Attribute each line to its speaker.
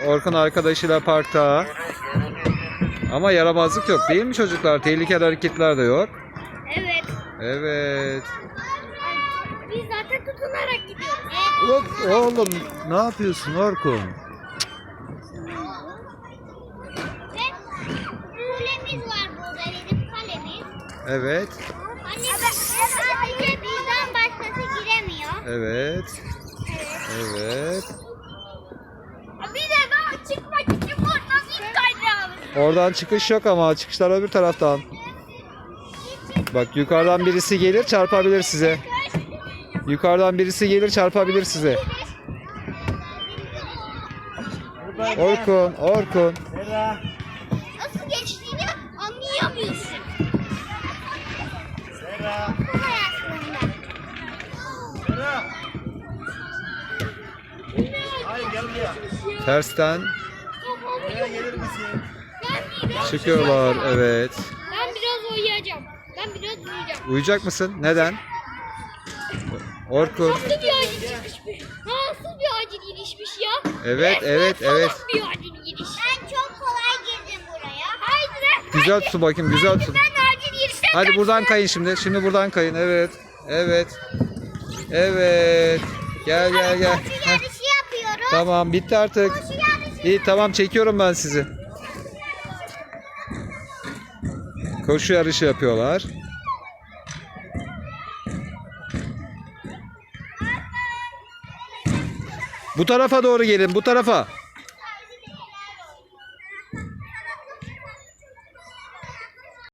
Speaker 1: Orkun arkadaşıyla parkta. Ama yaramazlık yok değil mi çocuklar? Tehlikeli hareketler de yok.
Speaker 2: Evet.
Speaker 1: Evet.
Speaker 2: Biz zaten tutunarak gidiyoruz.
Speaker 1: Hop, oğlum ne yapıyorsun Orkun?
Speaker 2: Ve kulemiz var burada, bizim kalemiz.
Speaker 1: Evet.
Speaker 2: Anne sadece bizden başkası giremiyor.
Speaker 1: Evet. Evet.
Speaker 2: Bir de daha çıkmak için buradan ilk kaydıralım.
Speaker 1: Oradan çıkış yok ama çıkışlar öbür taraftan. Bak yukarıdan birisi gelir çarpabilir size. Yukarıdan birisi gelir çarpabilir size. Orkun, Orkun.
Speaker 2: Nasıl geçtiğini anlayamıyorsun. Kolay aslında.
Speaker 1: Tersten
Speaker 2: Ben
Speaker 1: çıkıyorlar. Evet.
Speaker 2: biraz uyuyacağım.
Speaker 1: Uyuyacak mısın? Neden? Orkun.
Speaker 2: Nasıl bir acil girişmiş? Nasıl bir acil girişmiş ya?
Speaker 1: Evet, evet, evet.
Speaker 2: Salak bir acil giriş. Ben çok kolay girdim buraya. Haydi lan.
Speaker 1: Güzel tutun bakayım, güzel tutun.
Speaker 2: Ben acil girişten
Speaker 1: Hadi buradan kayın şimdi. Şimdi buradan kayın. Evet. Evet. Evet. Gel gel gel.
Speaker 2: koşu
Speaker 1: Heh,
Speaker 2: yarışı yapıyoruz.
Speaker 1: tamam bitti artık.
Speaker 2: Koşu yarışı.
Speaker 1: İyi tamam çekiyorum ben sizi. Koşu yarışı yapıyorlar. Bu tarafa doğru gelin, bu tarafa.